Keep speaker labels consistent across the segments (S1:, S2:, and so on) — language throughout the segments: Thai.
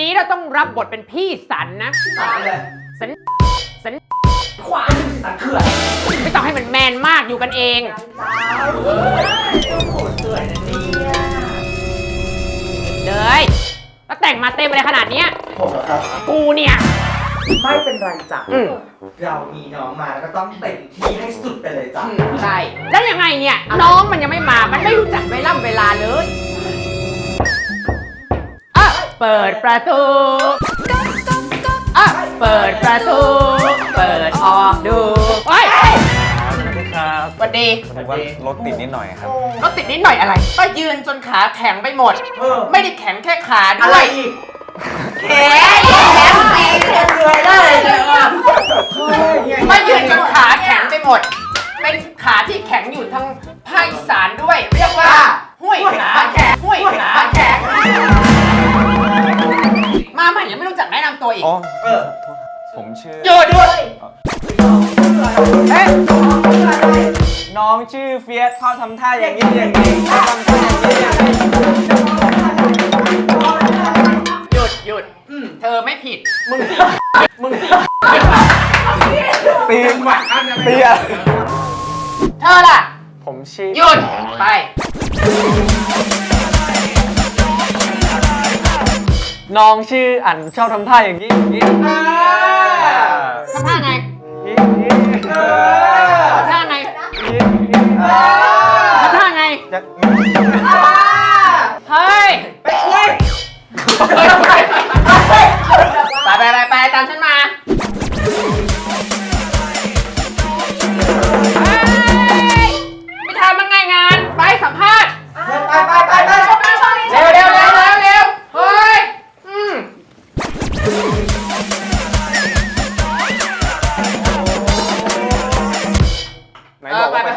S1: นี้เราต้องรับบทเป็นพี่สันนะสันขวานสันเขื่อนไม่ต้องให้มันแมนมากอยู่กันเองเลยแล้วแต่งมาเต็มอะไรขนาดเนี้ย
S2: ผมครับ
S1: กูเนี่ย
S2: ไม่เป็นไรจ้ะเรามีน้องมาแล้วก็ต้องเต็มที่ให้สุดไปเลยจ้ะ
S1: ใช่แล้วยังไงเนี่ยน้องมันยังไม่มามันไม่รู้จักเวลาเลยเปิดประตูเปิดประตูเปิดออกดูเฮ้ย
S3: สวัสดีครับ
S1: สวัสดี
S3: ผมว่ารถติดนิดหน่อยครับ
S1: รถติดนิดหน่อยอะไรก็ยืนจนขาแข็งไปหมดไม่ได้แข็งแค่ขาด้วยแข็งตีเลยได้เลยไม่ยืนจนขาแข็งไปหมดเป็นขาที่แข็งอยู่ทั้งภาคอีสานด้วยเรียกว่าห้วยขาแข็งห้วยขาแข็งมาใหม่ยังไม่รู้จักแนะนำตัวอีก
S3: ผมชื่อ
S1: หยุดด้วย
S3: น้องชื่อเฟียสเขาทำท่าอย่างนี้อย่างนี้เขาทำท่าอย่างนี้อย่างนี้
S1: หยุดเธอไม่ผิดมึงตีเธอล่ะ
S3: ผมชื่อ
S1: หยุดไป
S3: น้องชื่ออั๋นชอบทำท่าอย่างนี้อย่างนี้
S1: ทำท่าไงทำท่าไงทำท่าไงเฮ้ยไปตามฉันมาไม่ทำมันไงงานไปสัมภาษณ์ไปเร็วเฮ้ย
S3: ไหนบอกว่าไป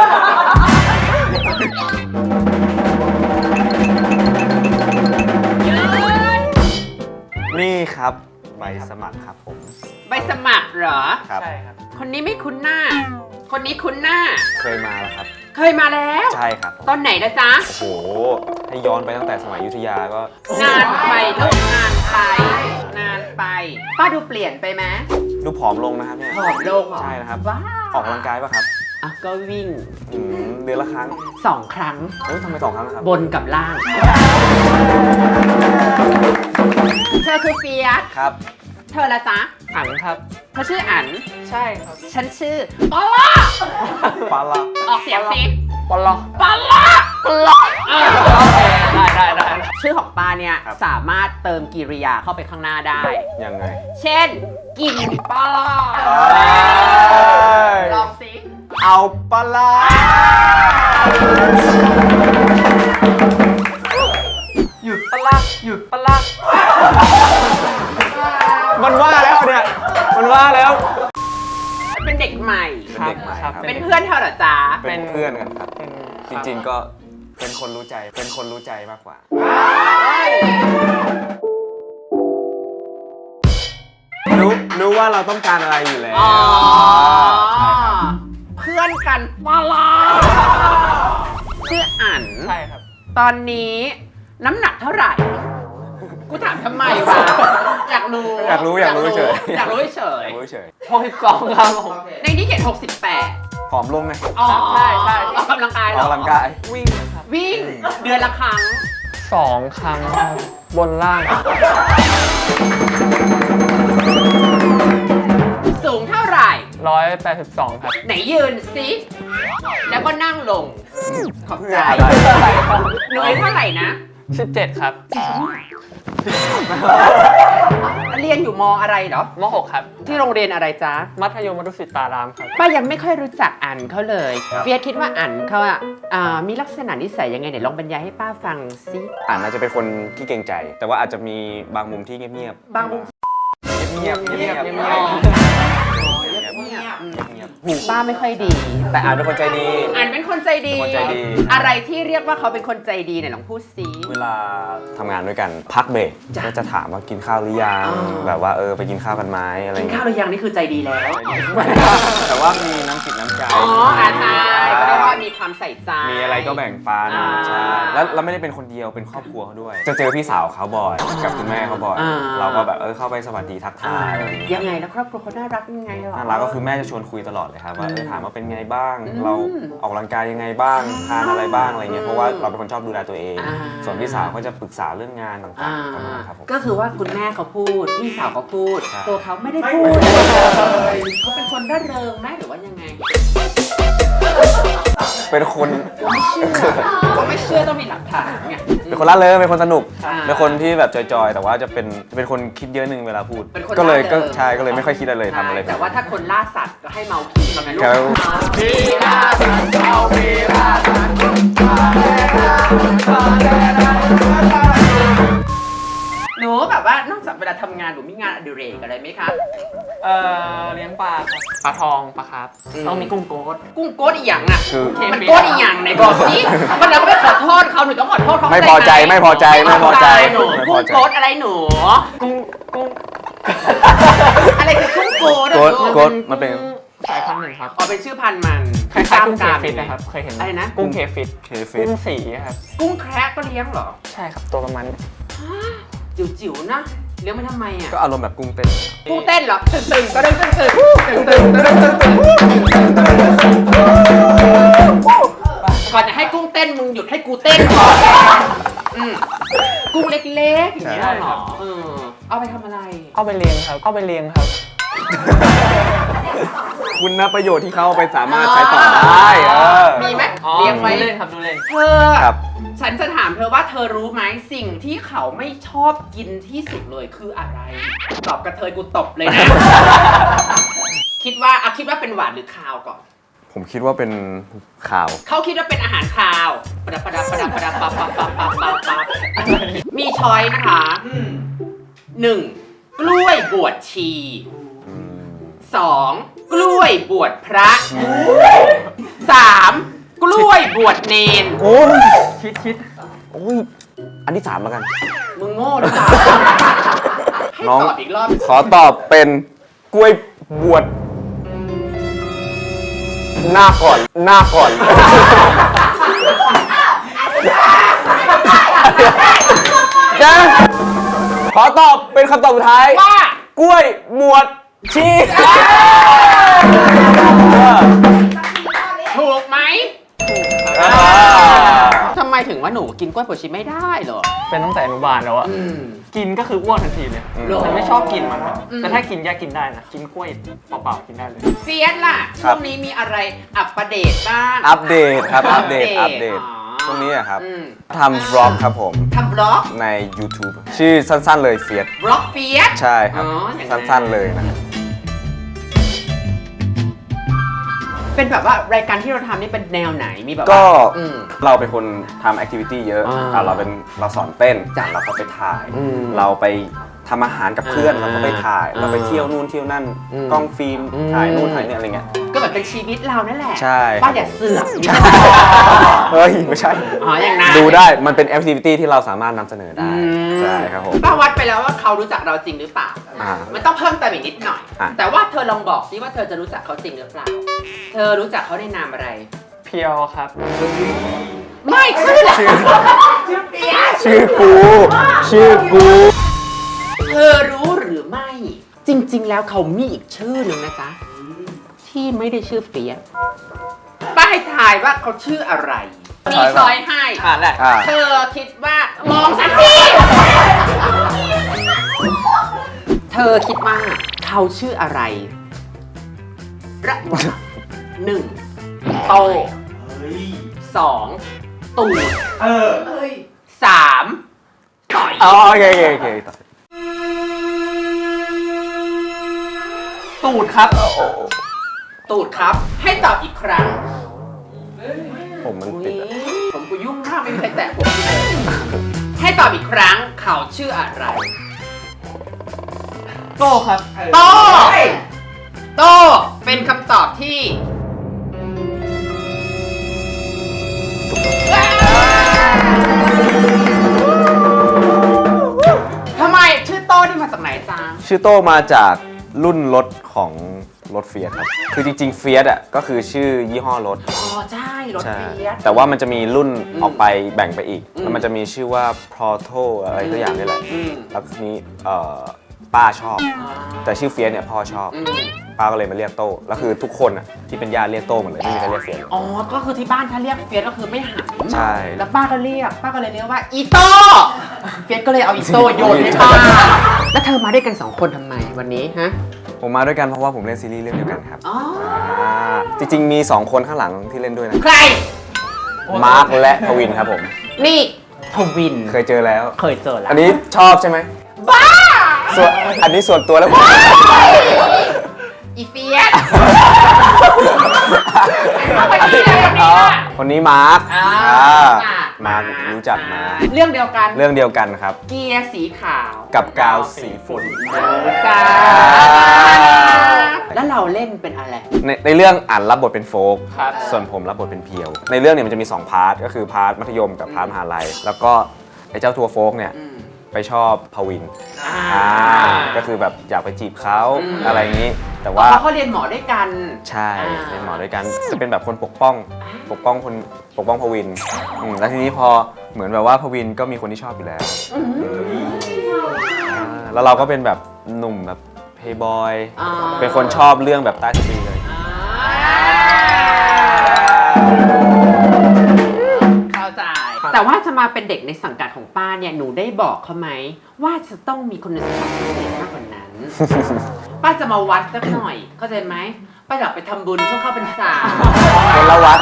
S3: นี่ครับใบสมัครครับผม
S1: ใบสมัครเหรอ
S3: ครับใช่ครับ
S1: คนนี้ไม่คุ้นหน้าคนนี้คุ้นหน้า
S3: เคยมาแล้วครับ
S1: เคยมาแล้ว
S3: ใช่ครับ
S1: ตอนไหนนะจ๊ะ
S3: โอ้โหให้ย้อนไปตั้งแต่สมัยอยุธยาก็
S1: นานไปลูกนานไปป้าดูเปลี่ยนไปไหม
S3: ดูผอมลงนะครับเนี่ย
S1: ผอมลง
S3: ใช่นะครับ
S1: ว้า
S3: ออกกำลังกายป่ะครับ
S1: ก็วิ่ง
S3: เดือนละครั้ง
S1: 2 ครั้ง
S3: ทำไม2 ครั้งครับ
S1: บนกับล่างเธอคือเฟียส
S3: ครับ
S1: เธอละจ๊ะ
S3: อั๋นครับ
S1: เธอชื่ออั๋น
S3: ใช่ครับ
S1: ฉันชื่อปลาออกเสียงสิ
S3: ปลาได้
S1: ชื่อของปลาเนี่ยสามารถเติมกิริยาเข้าไปข้างหน้าได้
S3: ยังไง
S1: เช่นกินปลาลองสิ
S3: เอาปลาหยุดปลามันว่าแล้วเนี่ยมันว่าแล้ว
S1: เป็นเด็กใหม่
S3: ครับ
S1: เป็นเพื่อนเธอเหรอจ๊ะ
S3: เป็นเพื่อนกันครับจริงๆก็เป็นคนรู้ใจมากกว่ารู้ว่าเราต้องการอะไรอยู่แล้ว
S1: เพื่อนกันปลาชื่ออั๋น
S3: ใช่ครับ
S1: ตอนนี้น้ำหนักเท่าไหร่กูถามทำไมวะอยากรู้
S3: เฉย
S1: 62ครับผมในนี้เขียน68
S3: ผอมลงไง
S1: ใช่ออกกำลังกาย
S3: วิ่งครับ
S1: วิ่งเดือนละครั้ง
S3: 2 ครั้งบนล่าง
S1: สูงเท่าไหร่
S3: 182ครับ
S1: ไหนยืนสิแล้วก็นั่งลงขอบใจหนูอายุเท่าไหร่นะ
S3: 17ครับ
S1: เรียนอยู่ม.อะไรเหรอ
S3: ม.6ครับ
S1: ที่โรงเรียนอะไรจ๊ะ
S3: มัธยมวดุสิตารามครับ
S1: ป้ายังไม่ค่อยรู้จักอั๋นเขาเลยเฟียสคิดว่าอั๋นเขามีลักษณะนิสัยยังไงไหนลองบรรยายให้ป้าฟังสิ
S3: อั๋นน่าจะเป็นคนที่เกรงใจแต่ว่าอาจจะมีบางมุมที่เงียบบ
S1: างมุม
S3: เงียบ
S1: หูหูป้าไม่ค่อยดี
S3: แต่อ่านเป็นคนใจดี
S1: อ่านเป็นคนใจดี
S3: คนใจดี
S1: อะไรที่เรียกว่าเขาเป็นคนใจดีเนี่ยลองพูดสิ
S3: เวลาทำงานด้วยกันพักเบรก
S1: จ้ะ
S3: ก็จะถามว่ากินข้าวหรือยัง
S1: อ๋อ
S3: แบบว่าไปกินข้าวกันไหมอะไร
S1: กิน
S3: เงี้
S1: ข้าวย หรือยังนี่คือใจดีแล้ว
S3: แต่ว่ามีน้ำจิตน้ำใจ
S1: อ๋อใช่ก็เรียกว่ามีความใส่ใจ
S3: มีอะไรก็แบ่งปัน
S1: อ่า
S3: ใช่แล้วเราไม่ได้เป็นคนเดียวเป็นครอบครัวเขาด้วย จะเจอพี่สาวเขาบ่อยกับคุณแม่เขาบ่อย
S1: อ่า
S3: เราก็แบบเข้าไปสวัสดีทักทายอะไรอย่างเงี้ย
S1: ยังไงแล้วครอบครัวเขาน่ารักยังไงหรอ
S3: น่ารักก็คือแม่จะชวนคุยตลอดเลยครับว่าถามว่าเป็นไงบ้าง
S1: อืม
S3: เราออกกำลังกายยังไงบ้างทานอะไรบ้างอะไรเงี้ยเพราะว่าเราเป็นคนชอบดูแลตัวเอง
S1: อ่า
S3: ส่วนพี่สาวก็จะปรึกษาเรื่องงานต่างๆประมาณนั้นครับผม
S1: ก็คือว่าคุณแม่เขาพูดพี่สาวเขาพูด
S3: ใช่
S1: ตัวเขาไม่ได้พูดเขาเป็นคนร่าเริงไหมหรือว่ายังไง
S3: เป็นคน
S1: ผมไม่เชื่อต้องมีหลักฐานไง
S3: เป็นคนร่าเริงเป็นคนสนุก
S1: อ่า
S3: เป็นคนที่แบบจอยๆ แต่ว่าจะเป็นคนคิดเยอะนึงเวลาพูด
S1: เป็นคน
S3: ก็เลย
S1: ร่าเริง
S3: ใช่ก็เลยไม่ค่อยคิดอะไรเลยทำอะไร
S1: แต่ว่าถ้าคนล่าสัตว์ก็ให้เมาขี้มาไงลูก
S3: ครับ
S1: พี่ล่าสัตว์เอาพี่ล่าสัตว์หนูแบบว่านอกจากเวลาทำงานหนูมีงานอดิเรกอะไรไหมคะ
S4: เลี้ยงปลาครับปลาทองปลาครับ
S1: อืม
S4: ต้องมีกุ้งโกด
S1: กุ้งโก๊ดอีหยังอ่ะ
S3: คือ
S1: มันโก๊ดอีหยังไหนบอกสิวันนั้นก็ไปขอโทษเขาหนูต้องขอโทษเขา
S3: ไม่พอใจไม่พอใจไม่พอใจ
S1: หนู
S3: ไม่พ
S1: กุ้
S3: อง ใจ
S1: โก๊ดอะไรหนู
S4: กุ้ง
S1: อะไรคือกุ้งโก๊ดอะ
S3: โก๊ด
S1: ลู
S3: โก๊ดมันเป็น
S4: สายพันธุ์หนึ่งครับ
S1: อ๋อเป็นชื่อพันธุ์มัน
S4: คล้ายๆกุ้งเค
S1: กล้าม
S4: ฟิตนะครับเคยเห็นหม
S1: อะไรนะ
S4: กุ้งเคฟิต
S3: เคฟิ
S4: กุ้งสีครับ
S1: กุ้งแคระก็เลี้ยงเหรอ
S4: ใช่ครับตัวประมาณนี้
S1: จิ๋วๆนะเลี้ยงมาทำไมอ่ะ
S3: ก็อารมณ์แบบกุ้งเต้น
S1: กุ้งเต้นเหรอตึงๆก็ตึงๆตึงๆตึงๆตึงๆตึงๆตึงๆก่อนจะให้กุ้งเต้นมึงหยุดให้กูเต้นก่อนอืมกุ้งเล็กๆอย่างเงี้ยเหรอเอาไปทำอะไร
S4: เอาไปเลี้ยงครับเอาไปเลี้ยงครับ
S3: คุณนะประโยชน์ที่เขาเอาไปสามารถใช้ต่อได้
S1: มีไหม
S4: อ๋อ
S1: เลี้ยงไว้
S4: ดูเล่นครับดูเล่น
S1: เธอ
S3: ครับ
S1: ฉันจะถามเธอว่าเธอรู้ไหมสิ่งที่เขาไม่ชอบกินที่สุดเลยคืออะไร ตอบกระเทยกูตบเลยนะ คิดว่าเป็นหวานหรือคาวก่อน
S3: ผมคิดว่าเป็นข่าว
S1: เขาคิดว่าเป็นอาหารคาวประดับปับมีช้อยนะคะหนึ่งกล้วยบวชชีสองกล้วยบวชพระสามกล้วยบวชเนน
S3: โอ้ย
S4: คิด
S3: โอ้ยอันที่ 3แล้วกัน
S1: มึงโง่หรือเปล่าให้
S3: น้อง
S1: ตอบอีกรอบ
S3: ขอตอบเป็นกล้วยบวชหน้าก่อนนะขอตอบเป็นคำตอบสุดท้าย
S1: ว่าก
S3: ล้วยบวชชี
S1: ถูกไหม
S3: อ่า
S1: ทำไมถึงว่าหนูกินกล้วยบวชชีไม่ได้เหรอ
S4: เป็นตั้งแต่อนุบาลแล้วอะ
S1: อืม
S4: กินก็คืออ้วนทันทีเลย
S1: หรอ
S4: ฉันไม่ชอบกินมันครับ
S1: อืม
S4: แต่ถ้ากินแยกกินได้นะกินกล้วยเปล่าๆกินได้เลย
S1: เฟียสล่ะ ช่วงนี้มีอะไรอัปเดตบ้าง
S3: อัปเดตครับ อัปเดต
S1: อ๋อ
S3: ช่วงนี้อะครับ
S1: อืม
S3: ทำบล็อกครับผม
S1: ทำบล็อก
S3: ใน YouTube ชื่อสั้นๆเลยเฟียส
S1: บล็อกเฟียส
S3: ใช่ครับ
S1: อ๋ออย่างนั้น
S3: สั้นๆเลยนะครับ
S1: เป็นแบบว่ารายการที่เราทำนี่เป็นแนวไหนมีแบบว่า
S3: ก็
S1: อืม
S3: เราเป็นคนทำแอคทิวิตี้เยอะ
S1: อ่า
S3: เราสอนเต้น
S1: จ้ะ
S3: เราก็ไปถ่าย
S1: อืม
S3: เราไปทำอาหารกับเพื่อน
S1: อ่า
S3: เราก็ไปถ่าย เราไป
S1: อ่า
S3: เที่ยวนู่นเที่ยวนั่น
S1: อืม
S3: กล้องฟิล์ม
S1: อืม
S3: ถ่ายนู่นถ่ายนี่อะไรเงี้ย
S1: ก็แบบเป็นชีวิตเรานั่นแหละ
S3: ใช่
S1: ป้าอย่าเสือก
S3: เฮ้ย ไม่ใช่
S1: อ๋ออย่างนั้น
S3: ดูได้ มันเป็นแอคทิวิตี้ที่เราสามารถนำเสนอได้ ใช่ครับผม
S1: ป้าวัดไปแล้วว่าเขารู้จักเราจริงหรือเปล่า
S3: อ่า
S1: มันต้องเพิ่มเติมอีกนิดหน่อย
S3: อ่ะ
S1: แต่ว่าเธอลองบอกสิว่าเธอจะรู้จักเขาจริงหรือเปล่า เธอรู้จักเขาในนามอะไร
S4: เพียวครับ
S1: ไม่ชื่อชื่อเปียส
S3: ชื่อกู ชื่อกู
S1: เธอรู้หรือไม่ จริง ๆ แล้วเขามีอีกชื่อหนึ่งนะจ๊ะ ที่ไม่ได้ชื่อเฟียสป้าให้ทายว่าเขาชื่ออะไร มีช้อยให้
S4: ได้
S3: อ่า
S1: เธอคิดว่ามองสักที เธอคิดว่าเขาชื่ออะไรระหว่างหนึ่งโตสองตูดสามต่อย
S3: อ๋อโอเคต่อ
S4: ตูดครับ
S1: ตูดครับ ให้ตอบอีกครั้ง
S3: ผมมันติดอะ
S1: ผมกูยุ่งมากไม่มีใครแตะผมเลยให้ตอบอีกครั้งเขาชื่ออะไร
S4: โก้ครับ
S1: โตโตเป็นคำตอบที่ทำไมชื่อโต้นี่มาจากไหนจ๊ะ
S5: ชื่อโต้มาจากรุ่นรถของรถเฟียสครับ คือจริงๆเฟียสอ่ะก็คือชื่อยี่ห้อรถ
S1: อ๋อใช่รถ
S5: ใช่
S1: เฟียส
S5: แต่ว่ามันจะมีรุ่นออกไปแบ่งไปอีก แล้วมันจะมีชื่อว่า Proto อะไรตัวอย่างนี่แหละ แล้วทีนี้ป้าชอบ แต่ชื่อเฟียสเนี่ยพ่อชอบ ป้าก็เลยมาเรียกโต้แล้วคือทุกคนอ่ะที่เป็นญาติเรียกโต้หมดเลยไม่มีใครเรียกเฟียสเลย
S1: อ๋อ ก็คือที่บ้านถ้าเรียกเฟียสก็คือไม่หัน
S5: ใช่
S1: แล้วป้าก็เลยเรียกว่าอีโต้เฟียสก็เลยเอาอีโต้โยนให้ป้าแล้วเธอมาด้วยกัน2คนทำไมวันนี้ฮะ
S5: ผมมาด้วยกันเพราะว่าผมเล่นซีรีส์เรื่องเดียวกันครับ
S1: อ๋อ
S5: จริงๆมี2คนข้างหลังที่เล่นด้วยนะ
S1: ใคร
S5: มาร์คและพวินครับผม
S1: นี่ทวิน
S5: เคยเจอแล้ว
S1: เคยเจอแล้ว
S5: อันนี้ชอบใช่ไหมบ้าอันนี้ส่วนตัวแล้ว
S1: อีเฟียสคนนี้อะไรเนี่ย
S5: คนนี้มาร์ค
S1: อ่า
S5: มาร์ครู้จักมา
S1: เรื่องเดียวกัน
S5: เรื่องเดียวกันครับ
S1: เกียร์สีขาว
S5: กับกาวสีฝุ่น
S1: จ้าแล้วเราเล่นเป็นอะไร
S5: ในเรื่องอ่านรับบทเป็นโฟก
S4: ครับ
S5: ส่วนผมรับบทเป็นเพียว ในเรื่องเนี่ยมันจะมี2พาร์ทก็คือพาร์ทมัธยมกับพาร์ทมหาลัยแล้วก็ไอ้เจ้าทัวร์โฟกเนี่ยไปชอบพวินก็คือแบบอยากไปจีบเขาอะไรอย่างนี้ แต่ว่า
S1: เพราะเขาเรียนหมอด้วยกัน
S5: ใช่เป็นหมอด้วยกันจะเป็นแบบคนปกป้องพวินแล้วทีนี้พอเหมือนแบบว่าพวินก็มีคนที่ชอบอยู่แล้วแล้วเราก็เป็นแบบหนุ่มแบบเพย์บอยเป็นคนชอบเรื่องแบบใต้สตรีเลย
S1: เข้าใจ แต่ว่าจะมาเป็นเด็กในสังกัดของป้าเนี่ยหนูได้บอกเขาไหมว่าจะต้องมีคุณสมบัติพิเศษมากกว่านั้น ป้าจะมาวัดสักหน่อยเข้าใจไหมป้าอยากไปทำบุญช่วงเข้าพรรษา
S5: คนละวัด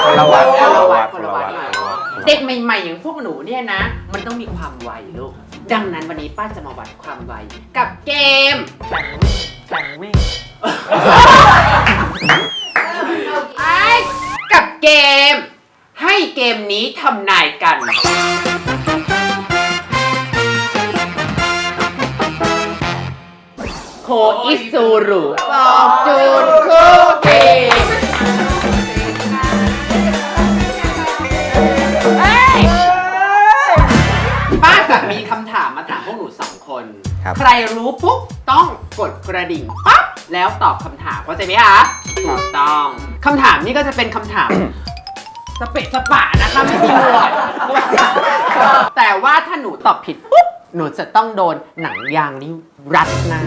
S1: เด็กใหม่ๆอย่างพวกหนูเนี่ยนะ มันต้องมีความไวลูกดังนั้นวันนี้ป้าจะมาวัดความไวกับเกม
S4: แข่งวิ่ง
S1: ไอ้กับเกม ให้เกมนี้ทำนายกันโคอิซูรุฟอกจูนคุกกี้ป้าจะมีคำถามมาถามพวกหนู2 คน
S5: ครับ
S1: ใครรู้ปุ๊บต้องกดกระดิ่งปั๊บแล้วตอบคำถามเข้าใจไหมคะถูกต้องคำถามนี้ก็จะเป็นคำถาม สเปะสปะนะคะไม่มีหมวดแต่ว่าถ้าหนูตอบผิดปุ๊บหนูจะต้องโดนหนังยางนี้รัดหน้า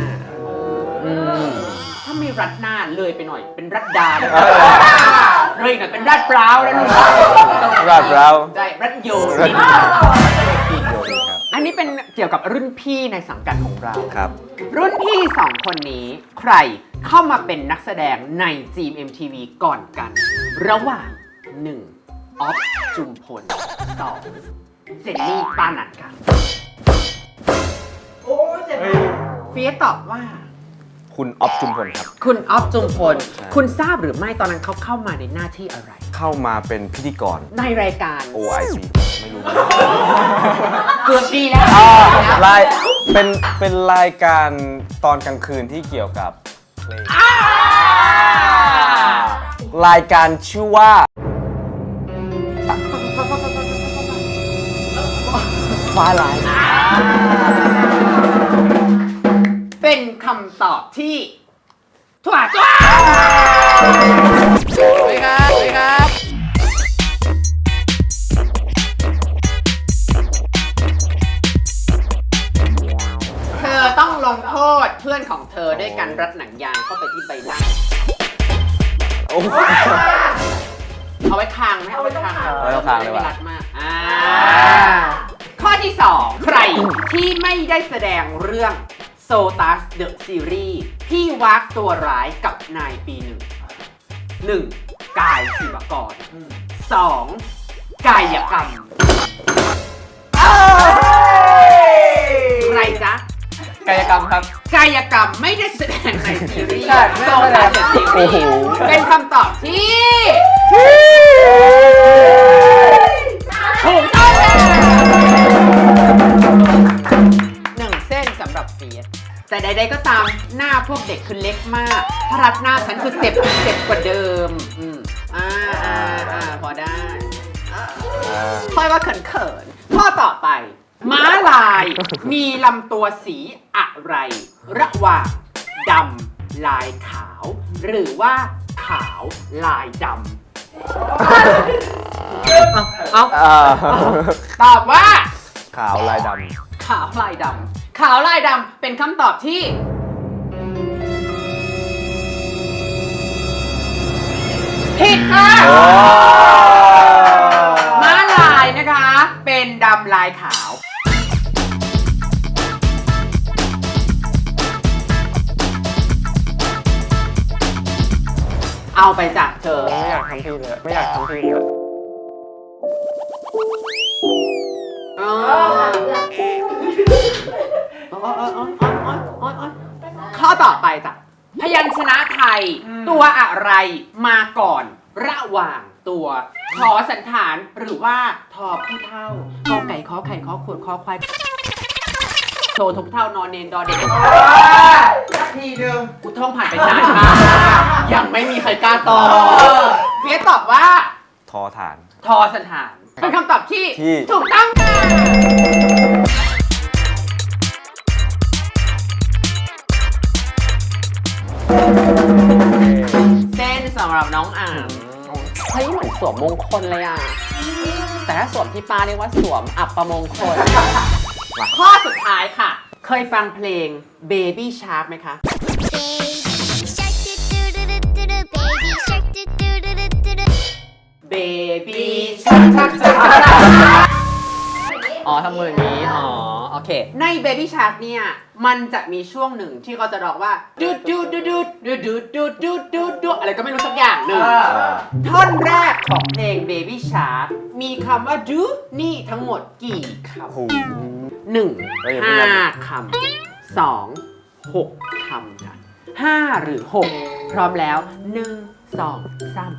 S1: ถ้าไม่รัดหน้าเลยไปหน่อยเป็นรัดดาเลยหน่อยเป็นรัดเปล่าแล้วลูก
S5: รัดเรา
S1: ใช่รัดโยนอันนี้เป็นเกี่ยวกับรุ่นพี่ในสังกัดของเรา
S5: ครับ
S1: รุ่นพี่ 2 คนนี้ใครเข้ามาเป็นนักแสดงใน GMMTV ก่อนกัน ระหว่าง 1. ออฟจุมพล 2. เจนนี่ปานันค่ะ
S2: โอ้ยเจ็บ
S1: เฟียสตอบว่า
S5: คุณออฟจุมพลครับ
S1: คุณออฟจุมพล
S5: ใช่
S1: คุณทราบหรือไม่ตอนนั้นเขาเข้ามาในหน้าที่อะไร
S5: เข้ามาเป็นพิธีกร
S1: ในรายการ
S5: OIC ไม่รู้
S1: เกือบดีแล้ว
S5: รายเป็นรายการตอนกลางคืนที่เกี่ยวกับเพลงรายการชื่อว่าฟ้าลาย
S1: เป็นคำตอบที่ถูกต้อง
S4: สวัสดีครับ
S1: เธอต้องลงโทษเพื่อนของเธอด้วยการรัดหนังยางเข้าไปที่ใบหน้า
S5: โอ้โห
S1: เอาไว้คางไหมเอาไว้คาง
S5: เอาไว้คางเลยว่ะ
S1: ไม่รัดมากข้อที่ 2 ใครที่ไม่ได้แสดงเรื่อง Sotas The Series พี่วักตัวร้ายกับนายปี 1 กายศิวกร 2. กายกรรม ใครจ๊ะ
S4: กายกรรมครับ
S1: กายกรรมไม่ได้แสดงในซีรีส์
S4: ใช่ไม่ได้แสดง
S1: โซตัสซีรีส์เป็นคำตอบที่ถูกต้องเลย1 เส้นสำหรับเฟียสแต่ใดๆก็ตามหน้าพวกเด็กคือเล็กมาก ถ้ารับหน้าฉันคือเจ็บกว่าเดิมพอได้ค่อยว่าเขินๆข้อต่อไป ม้าลายมีลำตัวสีอะไร ระหว่างดำลายขาว หรือว่าขาวลายดำตอบว่า
S5: ขาวลายด
S1: ขาวลายดำขาวลายดำเป็นคำตอบที่ผิดค่ะม้าลายนะคะ เป็นดำลายขาว เอาไปจากเธอ
S3: ไม่อยากทำพี่เลยไม่อยากทำพี่เลย
S1: ข้อต่อไปจ้ะพยัญชนะไทย ตัวอะไรมาก่อนระหว่างตัวทอสันฐานหรือว่าทอผู้เท่ากอไก่ขอไข่ขอขวดขอควายโชว์ทุกเท่านอนเนนดอเด็ก
S2: สักทีหนึ่ง
S1: กูท่องผ่านไปนานมากยังไม่มีใครกล้าตอบเฟียสตอบว่า
S5: ำทอฐาน
S1: ทอสันฐานเป็นคำตอบที่
S5: ที่
S1: ถูกต้องค่ะเส้นสำหรับน้องอ่างเฮ้ยเหมือนสวมมงคลเลยอ่ะ แต่ถ้าสวมที่ป้าเรียกว่าสวมอับประมงคล ข้อสุดท้ายค่ะ เคยฟังเพลง Baby Shark ไหมคะ Baby Shark อ๋อทำมืออย่างนี้ อ๋อ โอเค ใน Baby Shark เนี่ย มันจะมีช่วงหนึ่งที่เขาจะร้องว่าดูดดูดดูดดูดดูดดูดดูดดูดดูดอะไรก็ไม่รู้สักอย่างหนึ่งท่อนแรกของเพลง Baby Shark มีคำว่าดูนี่ทั้งหมดกี่คำ
S5: โอ้โห
S1: 1 5 คำ 2 6 คำค่ะ5 หรือ 6 พร้อมแล้ว 1 2 3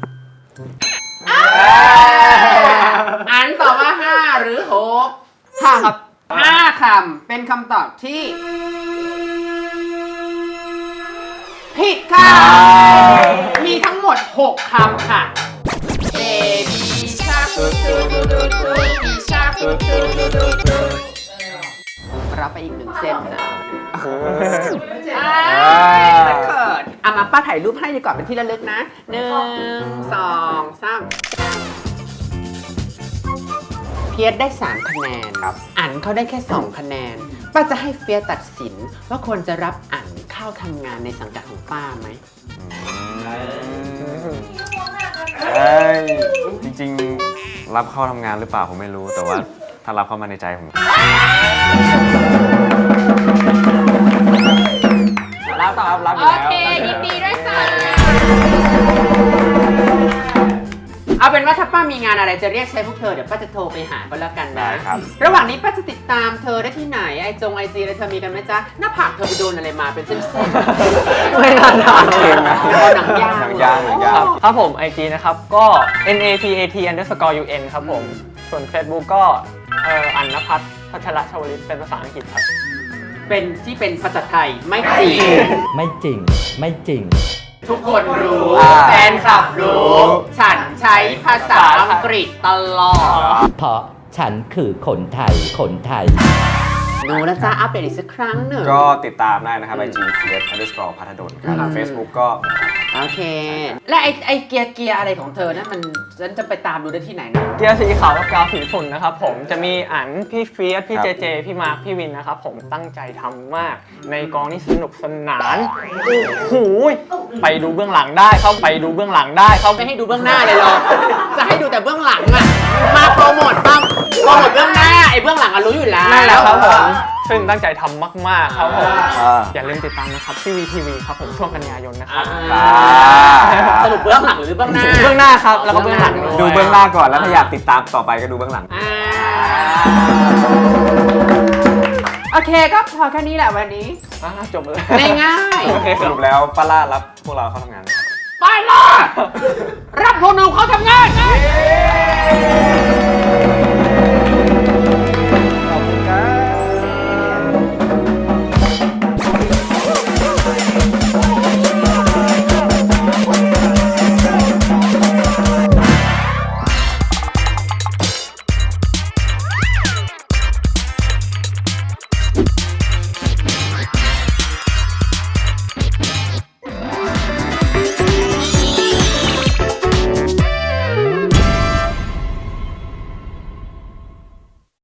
S1: อันตอบว่า 5 หรือ 6
S3: ครับ
S1: 5 คำเป็นคำตอบที่ผิดค่ะ มีทั้งหมด 6 คำค่ะ Baby Shark รับไปอีก1 เส้นนะมันเขินเอามาป้าถ่ายรูปให้ดีกว่าเป็นที่ระลึกนะ 1 2 3 เฟียสได้3 คะแนนครับอันเขาได้แค่2 คะแนนป้าจะให้เฟียสตัดสินว่าควรจะรับอันเข้าทำงานในสังกัดของป้าไหม
S5: จริงๆ รับเข้าทำงานหรือเปล่าผมไม่รู้ แต่ว่าถ้ารับเข้ามาในใจผม
S3: รับต่อรับอยู่
S1: โอ
S3: แล้ว
S1: เคยินดีด้วยจ้าเอาเป็นว่าถ้าป้ามีงานอะไรจะเรียกใช้พวกเธอเดี๋ยวป้าจะโทรไปหาก็แล้วกันนะ
S5: ได้ครับ
S1: ระหว่างนี้ป้าจะติดตามเธอได้ที่ไหนไอจีอะไรเธอมีกันไหมจ๊ะหน้าผากเธอไปโดนอะไรมาเป็นเส้นๆ
S3: ไม่น่าทาน
S5: เองนะ
S1: หนังยาง
S5: หนังยางหนังยาง
S3: ครับผม IG นะครับก็ NAPAT_UN ครับผม ส่วน Facebook ก็อันนภัทรพัชรชวลิตเป็นภาษาอังกฤษครับ
S1: เป็นที่เป็นภาษาไทยไม่จริง
S6: ไม่จริง ไม่จริง
S1: ทุกคนรู้
S5: อ่า
S1: แฟนคลับรู้ ฉันใช้ภาษาอังกฤษตลอด
S6: เพราะฉันคือคนไทย คนไทย
S1: ดูนะจ๊ะอัปเดตอีกสักครั้งหนึ่ง
S5: ก็ติดตามได้นะครับ IG @_ พัทดลครับ Facebook ก็
S1: โอเค และไอเกียร์อะไรของเธอนะมันฉันจะไปตามดูได้ที่ไหนนะ
S3: เกียร์สีขาวกับกาวสีฝุ่นนะครับผมจะมีอันพี่เฟียสพี่
S5: ครับ
S3: เจเจพี่มาร์คพี่วินนะครับผมตั้งใจทำมากในกองนี่สนุกสนานโอ้โหไปดูเบื้องหลังได้ครับไปดูเบื้องหลังได้ครับ
S1: ไม่ให้ดูเบื้องหน้าเลยเหรอ จะให้ดูแต่เบื้องหลังอะมาโปรโมทบ้างโปรโมทเบื้องหน้าไอเบื้องหลังอะรู้อยู่แล้ว
S3: นั่นแหละครับผมซึ่งตั้งใจทำมากๆครับผม
S5: อ่า
S3: อย่าลืมติดตามนะครับที่ VTV ครับผมช่วงกันยายนนะครับ
S1: สรุปเบื้องหลังหรือเบื้องหน้า
S3: เบื้องหน้าครับแล้วก็เบื้องหลัง
S5: ดูเบื้องหน้าก่อนแล้วถ้าอยากติดตามต่อไปก็ดูเบื้องหลัง
S1: โอเคก็พอแค่นี้แหละวันนี้
S3: จบเลย
S1: ง่าย
S3: โอเค
S5: สรุปแล้วป้าล่ารับพวกเราเข้าทำงานไหมครับ
S1: ๆไปล่ะรับพวกหนูเขาทำงาน